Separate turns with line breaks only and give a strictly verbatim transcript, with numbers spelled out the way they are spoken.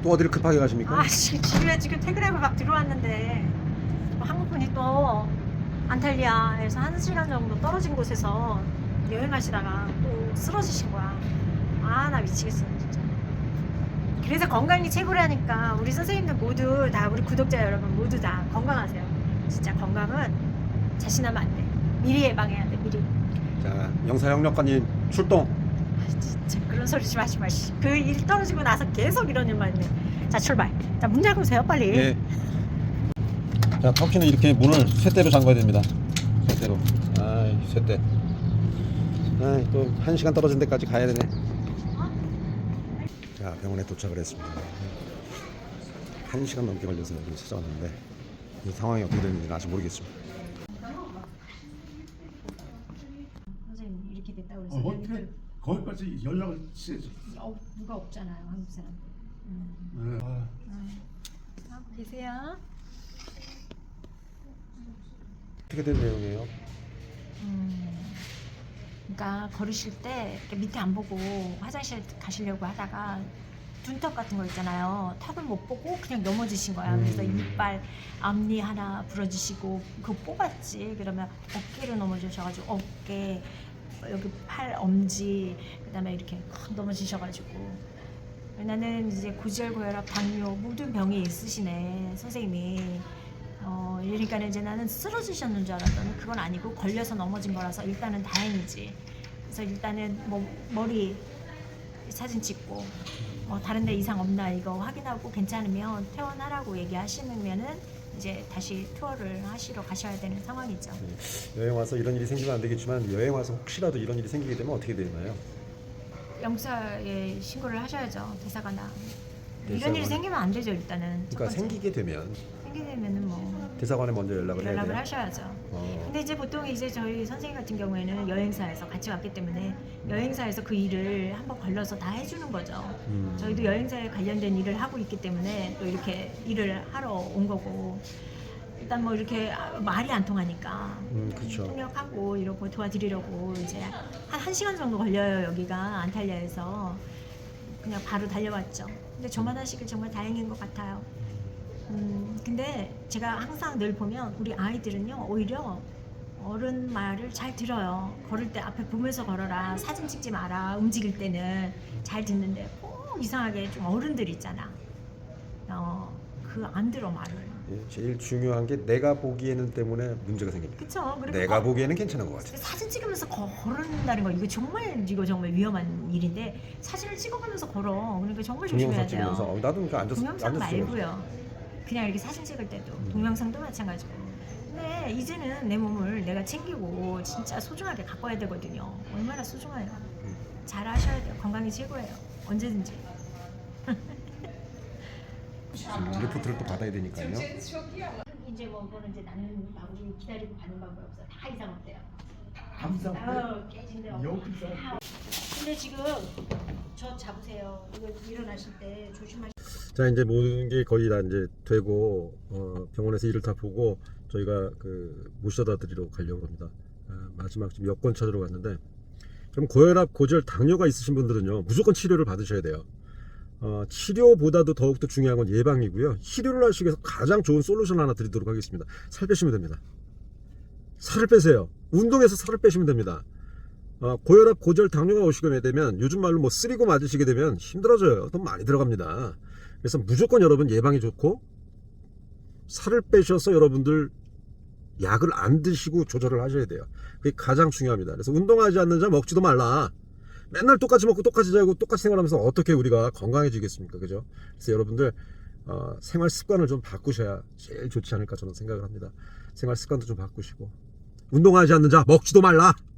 또 어디를 급하게 가십니까?
아, 지- 집에 지금 퇴근하고 막 들어왔는데 또 항공편이 또 안탈리아에서 한 시간 정도 떨어진 곳에서 여행하시다가 또 쓰러지신 거야. 아, 나 미치겠어 진짜. 그래서 건강이 최고라니까 우리 선생님들 모두 다, 우리 구독자 여러분 모두 다 건강하세요. 진짜 건강은 자신하면 안 돼. 미리 예방해야 돼, 미리.
자, 영사영력관님 출동.
아, 진짜 그런 소리 좀 하지 마시. 그 일 떨어지고 나서 계속 이런 일만 있네. 자, 출발. 자, 문 열고 오세요, 빨리.
예. 자, 터키는 이렇게 문을 쇠대로 잠가야 됩니다. 쇠대로. 아이, 쇠대. 아이, 또 한 시간 떨어진 데까지 가야 되네. 자, 병원에 도착을 했습니다. 한 시간 넘게 걸려서 여기 찾아왔는데 이 상황이 어떻게 되는지는 아직 모르겠습니다.
선생님 이렇게 됐다고 그래서
어,
여기
어떻게 거기까지 연락을 취해줘?
어, 누가 없잖아요, 한국 사람. 음.
네. 아,
음. 하고 계세요.
어떻게 된 내용이에요?
음. 그러니까 걸으실 때 이렇게 밑에 안 보고 화장실 가시려고 하다가 둔턱 같은 거 있잖아요. 턱을 못 보고 그냥 넘어지신 거야. 그래서
음.
이빨 앞니 하나 부러지시고 그거 뽑았지. 그러면 어깨로 넘어지셔가지고 어깨, 여기 팔 엄지, 그다음에 이렇게 확 넘어지셔가지고 나는 이제 고지혈, 고혈압, 당뇨 모든 병이 있으시네 선생님이. 어, 그러니까 이제 나는 쓰러지셨는 줄 알았더니 그건 아니고 걸려서 넘어진 거라서 일단은 다행이지. 그래서 일단은 뭐 머리 사진 찍고 뭐 다른 데 이상 없나 이거 확인하고 괜찮으면 퇴원하라고 얘기하시면은 이제 다시 투어를 하시러 가셔야 되는 상황이죠.
네. 여행 와서 이런 일이 생기면 안 되겠지만 여행 와서 혹시라도 이런 일이 생기게 되면 어떻게 되나요?
영사에 신고를 하셔야죠. 대사관나. 이런
대사관.
일이 생기면 안 되죠 일단은. 첫
그러니까
번째.
생기게 되면
생기게 되면은 뭐
대사관에 먼저 연락을 해야
연락을
돼요.
하셔야죠.
어.
근데 이제 보통 이제 저희 선생님 같은 경우에는 여행사에서 같이 왔기 때문에 여행사에서 그 일을 한번 걸러서 다 해주는 거죠.
음.
저희도 여행사에 관련된 일을 하고 있기 때문에 또 이렇게 일을 하러 온 거고, 일단 뭐 이렇게 말이 안 통하니까
음, 그렇죠.
통역하고 이러고 도와드리려고 이제 한 한 시간 정도 걸려요. 여기가 안탈리아에서. 그냥 바로 달려왔죠. 근데 저만 하시길 정말 다행인 것 같아요. 음, 근데 제가 항상 늘 보면 우리 아이들은요 오히려 어른 말을 잘 들어요. 걸을 때 앞에 보면서 걸어라, 사진 찍지 마라, 움직일 때는 잘 듣는데 꼭 이상하게 좀 어른들 있잖아. 어, 그 안 들어 말을.
예, 제일 중요한 게 내가 보기에는 때문에 문제가 생깁니다.
그쵸? 그리고
내가
거-
보기에는 괜찮은 것 같아요.
사진 찍으면서 걸은다는 거 이거 정말 이거 정말 위험한 일인데 사진을 찍어가면서 걸어. 그러니까 정말 조심해야
동영상
돼요.
찍으면서 어, 나도 그러니까 앉아서
동영상
앉아서 찍어야지.
말고요. 그냥 이렇게 사진 찍을 때도
음.
동영상도 마찬가지고. 근데 이제는 내 몸을 내가 챙기고 진짜 소중하게 가꿔야 되거든요. 얼마나 소중해요.
음.
잘 하셔야 돼요. 건강이 최고예요. 언제든지.
음, 리포트를 또 받아야 되니까요.
이제 뭐 그거는 이제 나는 마구리 기다리고 가는 방법 없어. 다 이상 없대요.
항상
어, 깨진대 없고.
여기서
근데 지금 저 잡으세요. 이거 일어나실 때 조심하시.
자, 이제 모든 게 거의 다 이제 되고 어, 병원에서 일을 다 보고 저희가 그 모셔다 드리러 가려고 합니다. 아, 마지막 지금 여권 찾으러 갔는데, 그럼 고혈압, 고지혈, 당뇨가 있으신 분들은요 무조건 치료를 받으셔야 돼요. 어, 치료보다도 더욱더 중요한 건 예방이고요. 치료를 하시기 위해서 가장 좋은 솔루션 하나 드리도록 하겠습니다. 살 빼시면 됩니다. 살을 빼세요. 운동해서 살을 빼시면 됩니다. 어, 고혈압, 고지혈, 당뇨가 오시게 되면 요즘 말로 뭐 쓰리고 맞으시게 되면 힘들어져요. 돈 많이 들어갑니다. 그래서 무조건 여러분 예방이 좋고, 살을 빼셔서 여러분들 약을 안 드시고 조절을 하셔야 돼요. 그게 가장 중요합니다. 그래서 운동하지 않는 자 먹지도 말라. 맨날 똑같이 먹고 똑같이 자고 똑같이 생활하면서 어떻게 우리가 건강해지겠습니까? 그죠? 그래서 여러분들 어, 생활 습관을 좀 바꾸셔야 제일 좋지 않을까 저는 생각을 합니다. 생활 습관도 좀 바꾸시고, 운동하지 않는 자 먹지도 말라.